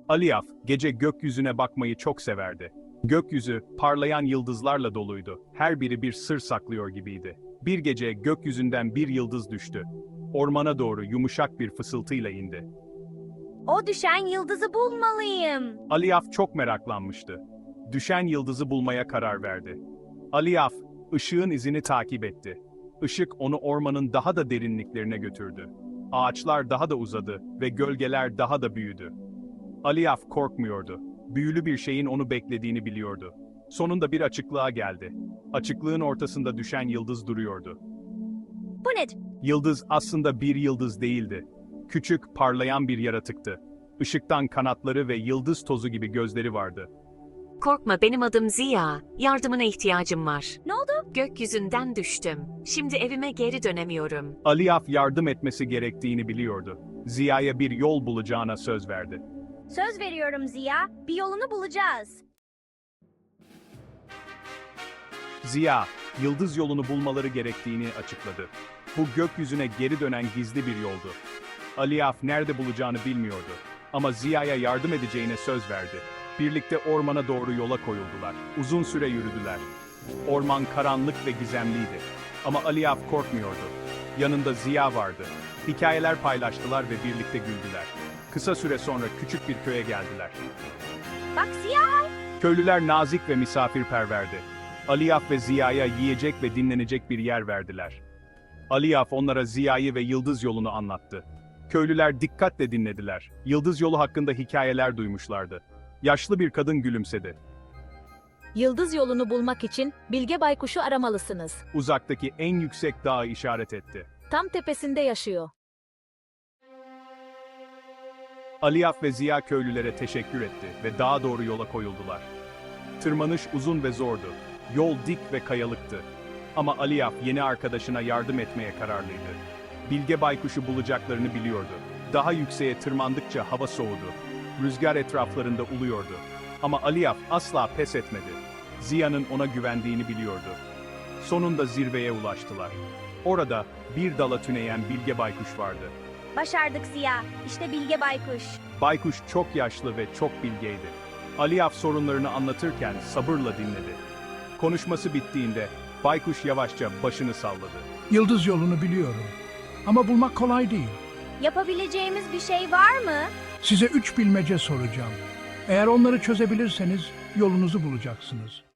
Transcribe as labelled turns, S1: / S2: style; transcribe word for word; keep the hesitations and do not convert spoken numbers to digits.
S1: Aliyaf, gece gökyüzüne bakmayı çok severdi. Gökyüzü, parlayan yıldızlarla doluydu. Her biri bir sır saklıyor gibiydi. Bir gece gökyüzünden bir yıldız düştü. Ormana doğru yumuşak bir fısıltıyla indi.
S2: O düşen yıldızı bulmalıyım.
S1: Aliyaf çok meraklanmıştı. Düşen yıldızı bulmaya karar verdi. Aliyaf, ışığın izini takip etti. Işık onu ormanın daha da derinliklerine götürdü. Ağaçlar daha da uzadı ve gölgeler daha da büyüdü. Aliyaf korkmuyordu. Büyülü bir şeyin onu beklediğini biliyordu. Sonunda bir açıklığa geldi. Açıklığın ortasında düşen yıldız duruyordu.
S2: Bu nedir?
S1: Yıldız aslında bir yıldız değildi. Küçük, parlayan bir yaratıktı. Işıktan kanatları ve yıldız tozu gibi gözleri vardı.
S3: Korkma, benim adım Ziya. Yardımına ihtiyacım var.
S2: Ne oldu?
S3: Gökyüzünden düştüm. Şimdi evime geri dönemiyorum.
S1: Aliyaf yardım etmesi gerektiğini biliyordu. Ziya'ya bir yol bulacağına söz verdi.
S2: Söz veriyorum Ziya, bir yolunu bulacağız.
S1: Ziya, yıldız yolunu bulmaları gerektiğini açıkladı. Bu gökyüzüne geri dönen gizli bir yoldu. Aliyaf nerede bulacağını bilmiyordu. Ama Ziya'ya yardım edeceğine söz verdi. Birlikte ormana doğru yola koyuldular. Uzun süre yürüdüler. Orman karanlık ve gizemliydi. Ama Aliyaf korkmuyordu. Yanında Ziya vardı. Hikayeler paylaştılar ve birlikte güldüler. Kısa süre sonra küçük bir köye geldiler.
S2: Bak Ziya!
S1: Köylüler nazik ve misafirperverdi. Aliyaf ve Ziya'ya yiyecek ve dinlenecek bir yer verdiler. Aliyaf onlara Ziya'yı ve Yıldız yolunu anlattı. Köylüler dikkatle dinlediler. Yıldız yolu hakkında hikayeler duymuşlardı. Yaşlı bir kadın gülümsedi.
S4: Yıldız yolunu bulmak için Bilge Baykuş'u aramalısınız.
S1: Uzaktaki en yüksek dağı işaret etti.
S4: Tam tepesinde yaşıyor.
S1: Aliyaf ve Ziya köylülere teşekkür etti ve dağa doğru yola koyuldular. Tırmanış uzun ve zordu. Yol dik ve kayalıktı. Ama Aliyaf yeni arkadaşına yardım etmeye kararlıydı. Bilge Baykuş'u bulacaklarını biliyordu. Daha yükseğe tırmandıkça hava soğudu. Rüzgar etraflarında uluyordu. Ama Aliyaf asla pes etmedi. Ziya'nın ona güvendiğini biliyordu. Sonunda zirveye ulaştılar. Orada bir dala tüneyen Bilge Baykuş vardı.
S2: Başardık Ziya, işte Bilge Baykuş.
S1: Baykuş çok yaşlı ve çok bilgeydi. Aliyaf sorunlarını anlatırken sabırla dinledi. Konuşması bittiğinde Baykuş yavaşça başını salladı.
S5: Yıldız yolunu biliyorum. Ama bulmak kolay değil.
S2: Yapabileceğimiz bir şey var mı?
S5: Size üç bilmece soracağım. Eğer onları çözebilirseniz yolunuzu bulacaksınız.